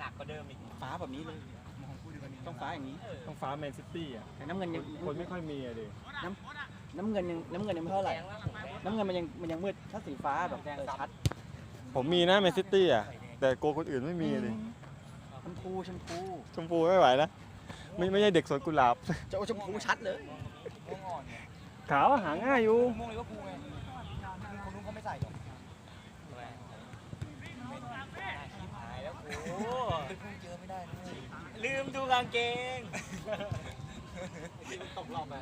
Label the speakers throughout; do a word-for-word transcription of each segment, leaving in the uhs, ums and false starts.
Speaker 1: นักกว่าเดิมอีก
Speaker 2: ฟ้าแบบนี้เลยต้องฟ้าอย่างนี้
Speaker 3: ต้องฟ้าแมนซิตี้อ่ะ
Speaker 2: แต่น้ำเงินยัง
Speaker 3: คนไม่ค่อยมีอะดิ
Speaker 2: น้ำน้ำเงินยังน้ำเงินยังไม่เท่าไหร่น้ำเงินมันยังมันยังมืดถ้าสีฟ้าแบบชัด
Speaker 3: ผมมีนะแมนซิตี้อ่ะแต่โกคนอื่นไม่มีเลย
Speaker 2: ชมพูชมพู
Speaker 3: ชมพูไม่ไหวนะไม่ไม่ใช่เด็กสวนกุหลาบ
Speaker 2: จะเอาชมพูชัดเลย
Speaker 3: ขาวหาง่ายอยู่
Speaker 1: ม่วงเลยว่าพูไงคนนู้นเขาไม่ใส่หรอกหายแล้วโอ้เจอไม่ได้ลืมดูกางเกงตกรอบไป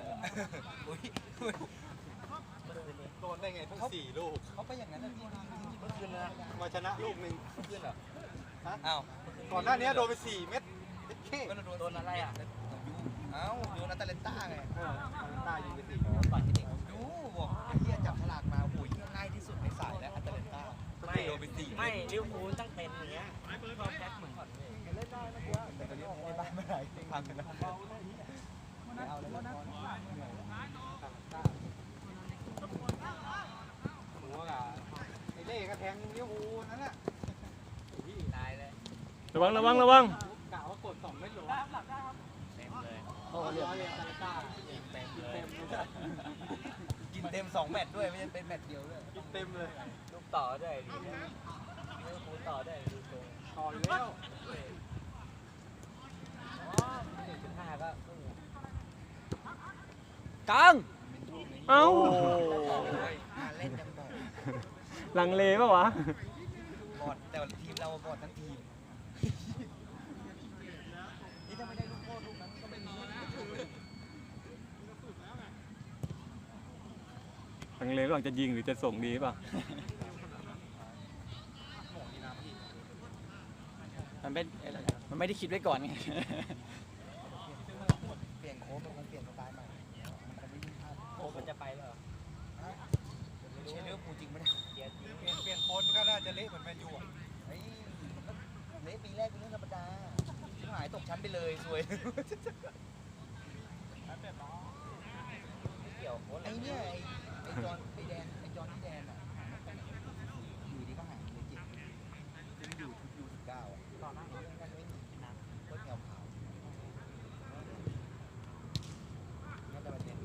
Speaker 1: โดนได้ไงทั้งสี่ลูกเขาไปอย่างนั้นพี่เมื่อคืนนะมาชนะลูกหนึ่งเมื่อคืนเหรอฮะอ้าวก่อนหน้านี้โดนไปสี่เม็ดโดนอะไรอ่ะเอ้าโดนอัตเลนต้าไงอัตเลนต้ายิงไปสี่ต่อยให้เด็กดูบอกเฮียจับฉลากมาโอ้ยง่ายที่สุดในสายแล้วอัตเลนต้าไม่โดนไปสี่ไม่ลิเวอร์พูลตั้งเป็นอย่างเงี้ยแจ็คเหมือนเล่นได้นะเพื่อนแต่ตอนนี้ในบ้านไม่ได้พังกันนะไม่เอาเลยนะหัวกับไอ้เล่กระแทงลิเวอร์พูลนั่นแหละตายเลย
Speaker 3: ระวังระวังระวัง
Speaker 1: กะว่ากดสองเม็ดหรอเต็มเลยโอ้เรียบเรียบตาต้าเต็มเลยกินเต็มสองแมตช์ด้วยไม่ใช่เป็นแมตช์เดียวด้วยกินเต็มเลยลูกต่อได้ดีนะลิเวอร์พูลต่อได้ดูตรงต่ออยู่แล้วอ๋อหนึ่งจุดห้าก็
Speaker 2: กลาง
Speaker 3: เอ้า
Speaker 1: เล่นยังบอก
Speaker 3: ลังเลป่ะวะ
Speaker 1: บอดแต่ทีมเราบอดทั้งทีมนี่ถ้าไม่ได้ลูกโทษลูกนั้นก็ไม่มี
Speaker 3: ลังเลระหว่างจะยิงหรือจะส่งดีป่ะ
Speaker 2: มันไม่มันไม่ได้คิดไว้ก่อนไง
Speaker 1: เปลี่ยนโค้ชมันเปลี่ยนสไตล์ใหม่มันไม่ยิ่งพลาดโค้ชมันจะไปเหรอไม่ใช่เรื่องปูจริงไม่ได้เปลี่ยนเปลี่ยนเปลี่ยนโค้ชก็น่าจะเละเหมือนแมนยูอ่ะเฮ้ยเละปีแรกเป็นเรื่องธรรมดาชิบหายตกชั้นไปเลยสวยเกี่ยวโค้ชไอ้เนี่ยไอ้ไอ้จอนไอ้แดนไอ้จอนที่แดนอ่ะอยู่ดีก็หายเลยจิตจะอยู่ทุกยูสิบเก้าอ่ะตอนนั้นก็ไม่มีน้ำก็เงาขาวนั่นแต่ประเด็น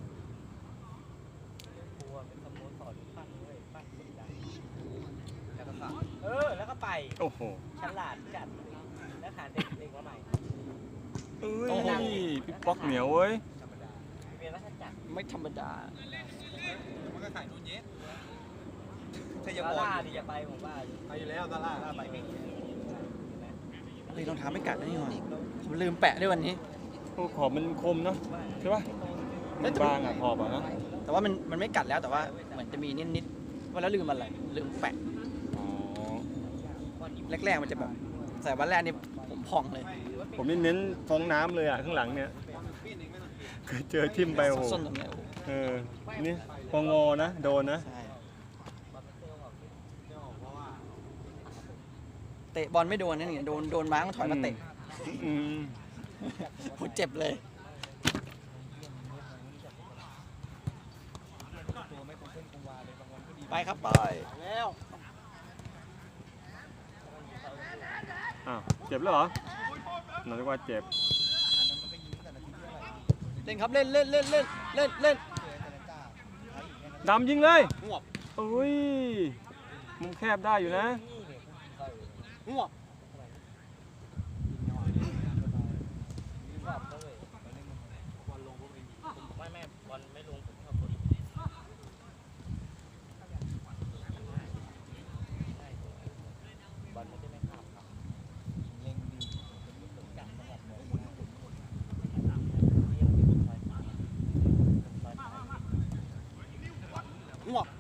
Speaker 1: กลัวเป็นสโมสรปั้นเลยปั้นคนดังแล้วก็สั่งเออแล้วก็ไป
Speaker 3: โอ้โห
Speaker 1: ฉลาดจัดแล้วหาเด็กเด็กมาใหม่
Speaker 3: เอ้ยพี่ป๊อกเหนียวเว้ย
Speaker 1: เรียนรัชจักร
Speaker 2: ไม่ธรรมดา
Speaker 1: มันก็ขายนูนเยสถ้าอย่าบอกดิอย่าไปผมว่าไปอยู่แล้วตลาดไปไม่
Speaker 2: เลยรองเท้าไม่กัดนี่หว่าผมลืมแปะด้วยวันนี้
Speaker 3: โอ้ขอบมันคมเนาะใช่ป่ะมันบางอ่ะขอบอ่ะนะ
Speaker 2: แต่ว่ามันมันไม่กัดแล้วแต่ว่าเหมือนจะมีนิดนิดว่าแล้วลืมอะไรลืมแปะ
Speaker 3: อ๋อ
Speaker 2: แรกๆมันจะแบบใส่วันแรกนี่ผมพองเลย
Speaker 3: ผมนี่เน้นฟองน้ำเลยอ่ะข้างหลังเนี่ยเจอทิ่มไปโอ้โหเออนี่พองอนะโดนนะ
Speaker 2: เตะบอลไม่โดนนั่นนี่โดนโดนม้าต้องถอยมาเตะผมเจ็บเลยไปครับไปแล้ว
Speaker 3: อ้าวเจ็บแล้วเหรอหนูนึกว่าเจ็บ
Speaker 2: เล่นครับเล่นเล่นเล่นเล่นเล่นเล่น
Speaker 3: ดำยิงเลยอุ้ยมุมแคบได้อยู่นะ
Speaker 2: หัว
Speaker 1: ไม่แม่บอลไม่ลงผมชอบคนบอลไม่ได้ไม่ข้ามครับเล็งดีจับจังหวะหัว
Speaker 2: หัว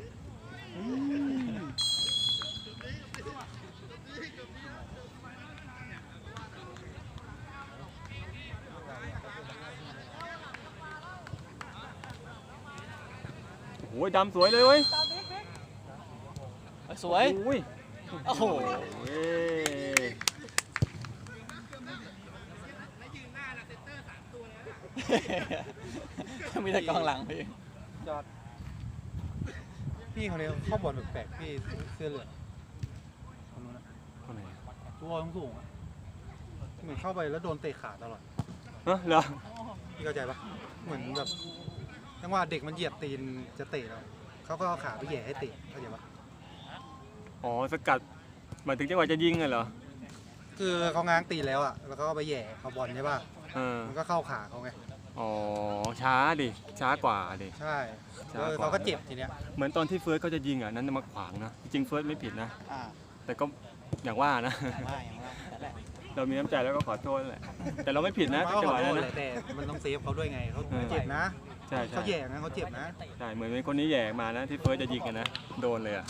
Speaker 3: โอ้ยดำสวยเลยเว้ย
Speaker 2: สวยโอ้โหมีแต่กองหลังพี่
Speaker 1: จอดพี่เขาเนี่ยเข้าบอลแปลกๆพี่เสื้อเหลืองคนนู้นนะตัวสูงอ่ะเหมือนเข้าไปแล้วโดนเตะขาตลอด
Speaker 3: เนาะเหรอ
Speaker 1: พี่เข้าใจปะเหมือนแบบจังหวะเด็กมันเหยียบตีนจะเตะแล้วเขาก็เอาขาไปแหย่ให้เตะเข้าใจปะ
Speaker 3: อ๋อสกัดหมายถึงจังหวะจะยิงเหรอ
Speaker 1: คือเขาง้างตีนแล้วอ่ะแล้วเขาก็ไปแหย่เขาบอลใช่ปะ
Speaker 3: เออ
Speaker 1: มันก็เข้าขาเขาไง
Speaker 3: อ๋อช้าดิช้ากว่าดิ
Speaker 1: ใช่
Speaker 3: ช้ากว่า
Speaker 1: เขาก็เจ็บทีเนี้ย
Speaker 3: เหมือนตอนที่เฟิร์สเขาจะยิงอ่ะนั้นมาขวางนะจริงๆเฟิร์สไม่ผิดนะ
Speaker 2: อ่า
Speaker 3: แต่ก็อย่างว่านะ
Speaker 2: อย่างว่าอย่างว่านั่นแหละ
Speaker 3: เรามีน้ำใจแล้วก็ขอโทษแหละแต่เราไม่ผิดนะ
Speaker 1: เขาก็
Speaker 3: จัง
Speaker 1: ข
Speaker 3: ห
Speaker 1: อ
Speaker 3: วะ
Speaker 1: โท
Speaker 3: นั้น
Speaker 1: ษแห
Speaker 3: นะ
Speaker 1: ละแต่มันต้องเซฟเขาด้วยไงเขา
Speaker 3: เออ
Speaker 1: เจ็บนะ
Speaker 3: ใช่ใช่
Speaker 1: เขาแหย่นะเขาเจ็บนะ
Speaker 3: ใช่เหมือนเป็นคนนี้แหย่มานะที่เฟิร์สจะยิงกันนะโดนเลยอ่ะ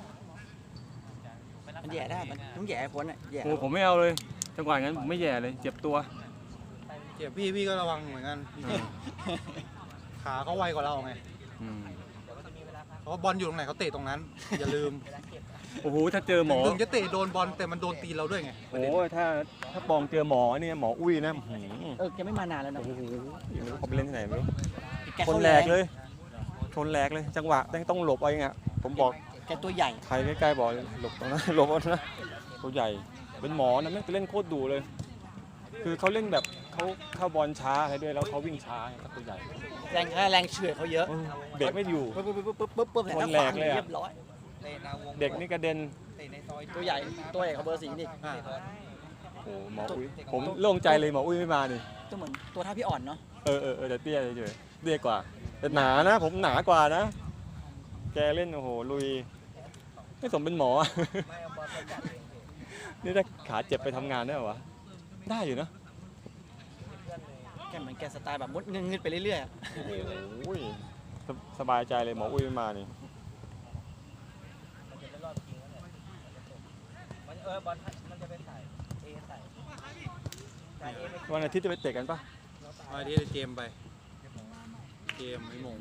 Speaker 2: มันแย่ได้มันต้องแย่ให้พ้นอ่ะแย่
Speaker 3: โอ้ผมไม่เอาเลยจังหวะนั้นผมไม่แย่เลยเจ็บตัว
Speaker 1: เจ็บพี่พี่ก็ระวังเหมือนกัน
Speaker 3: อืม
Speaker 1: ขาเขาไวกว่าเราไง
Speaker 3: อืม
Speaker 1: เพราะว่าบอลอยู่ตรงไหนเขาเตะตรงนั้น อย่าลืม
Speaker 3: โอ้โหถ้าเจอหมอ
Speaker 1: ถึงจะเตะโดนบอลแต่มันโดนตีนเราด้วยไง
Speaker 3: โอ้ถ้าถ้าปองเจอหมอเนี่ยหมออุ้ยนะอื้อหือ
Speaker 2: เออแกไม่มานานแล้วนะ
Speaker 3: โอ้โหไม่รู้เขาไปเล่นที่ไหนไม่รู้
Speaker 2: แก
Speaker 3: ช
Speaker 2: เข้าน
Speaker 3: แหล
Speaker 2: แรง
Speaker 3: กเลยชนแหลกเลยจังหวะต้องหลบเอาเองอ่ะผมบอก
Speaker 2: แกตัวใหญ่
Speaker 3: ใครใกล้ๆบอกหลบตรงนั้น หลบเอานะตัวใหญ่เป็นหมอนะไม่งเล่นโคตรดุเลย คือเขาเล่นแบบเขาเข้าบอลช้าอะไรด้วยแล้วเขาวิ่งช้าไงเขาตัวใหญ่
Speaker 2: แรงแรงเฉื่อยเขาเยอะ
Speaker 3: เออเบรกไม่อยู่
Speaker 2: ปึ๊บปึ๊บปึ๊บปึ๊บปึ๊บปึ๊บ
Speaker 3: ชนแหลกเลยอะ
Speaker 2: เรียบร้อย
Speaker 3: เด็กนี่กระเด็น
Speaker 2: ตัวใหญ่ตัวใหญ่เขาเบอร์สีนี่
Speaker 1: อ่า
Speaker 3: โอ้หมออุ้ยผมโล่งใจเลยหมออุ้ยไม่มานี่
Speaker 2: ตัวเหมือนตัวท่าพี่อ่อนเนาะ
Speaker 3: เออเออเออแต่เตี้ยเฉยๆเตี้ยกว่าแต่หนานะ ผมหนากว่านะ แกเล่นโอ้โหลุยไม่สมเป็นหมอ นี่ถ้าขาเจ็บไปทำงานได้เหรอวะได้อยู่นะ
Speaker 2: แกเหมือนแกสไตล์แบบมุดเงืดๆไปเรื่อยๆอะ
Speaker 3: โอ้ยสสบายใจเลยหมออุ้ยไม่มานี่ วันอาทิตย์จะไปเตะกันปะ
Speaker 1: เอาที่เจมไป เจมไอ้หมง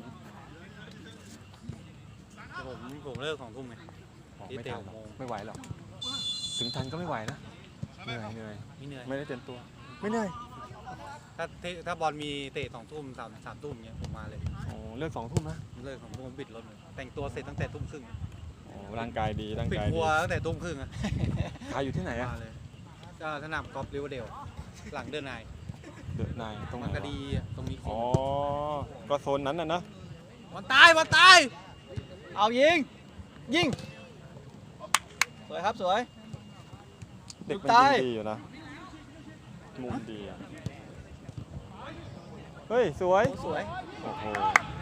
Speaker 1: แต่ผมผมเลิกของทุ่มไง
Speaker 3: อ๋อ
Speaker 1: ที่
Speaker 3: ไม่
Speaker 1: เตะ
Speaker 3: ทัน
Speaker 1: หก
Speaker 3: หรอก
Speaker 1: โมง
Speaker 3: ไม่ไหวหรอกถึงทันก็ไม่ไหวนะเหนื่อยเหนื่อย
Speaker 1: ไม่เหนื่อย
Speaker 3: ไม่ได้เต็มตัว ไม่เหนื่อย
Speaker 1: ถ้าเตะถ้าบอลมีเตะสองทุ่มสามสามทุ่มเงี้ยผมมาเลย
Speaker 3: โอ้เลิกสองทุ่มนะ
Speaker 1: ผมเลิกของผมบิดรถเลยแต่งตัวเสร็จตั้งแต่ทุ่มครึ่ง
Speaker 3: โอ้ร่างกายดีร่าง
Speaker 1: ปิด
Speaker 3: กาย
Speaker 1: ค
Speaker 3: ดี
Speaker 1: รัวตั้งแต่ทุ่มครึ่งอะ
Speaker 3: ขายอยู่ที่ไหนอะ
Speaker 1: มาเลยก็สนามกอล์ฟริเวอร์เดลหลังเดินนาย
Speaker 3: เดอะนายตรงไหน
Speaker 1: มัน
Speaker 3: วะ
Speaker 1: ก็ดีอะตรงนี้
Speaker 3: อ๋อ ก็โซนนั้นน่ะนะ
Speaker 1: บอลตายบอลตาย
Speaker 2: เอายิงยิงสวยครับสวย
Speaker 3: เด็กมัน
Speaker 2: ตาย
Speaker 3: ยิงดีอยู่นะ มุมดีอ่ะ เฮ้ย สวย
Speaker 2: โอ้สวย
Speaker 3: โอ้โห